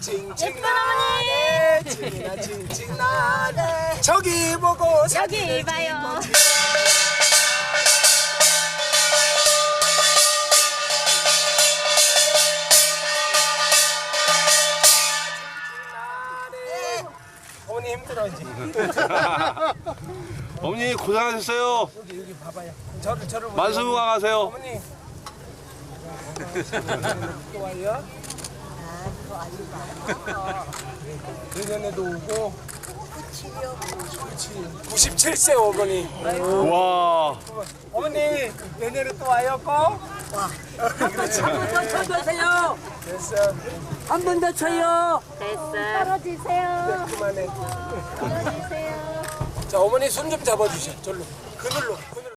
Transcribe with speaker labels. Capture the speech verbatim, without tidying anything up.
Speaker 1: 칭칭나네 칭이나 칭칭나네 저기 보고
Speaker 2: 여기 봐요.
Speaker 1: 어머니 힘들어 이제.
Speaker 3: 어머니 고생하셨어요.
Speaker 1: 여기 여기 봐봐요. 저를 저를 보세요.
Speaker 3: 만수무강하세요.
Speaker 1: 어머니. 또 와요? 내년에도 오고. 그렇지. 구십칠 세 어머니.
Speaker 3: 와.
Speaker 1: 어머니 내년에 또 와요 꼭?
Speaker 4: 한번 쳐보세요.
Speaker 1: 됐어.
Speaker 4: 한 번 더 쳐요.
Speaker 2: 됐어.
Speaker 1: 네, 그만해. 자 어머니 손 좀 잡아주셔. 절로. 그늘로. 그늘로.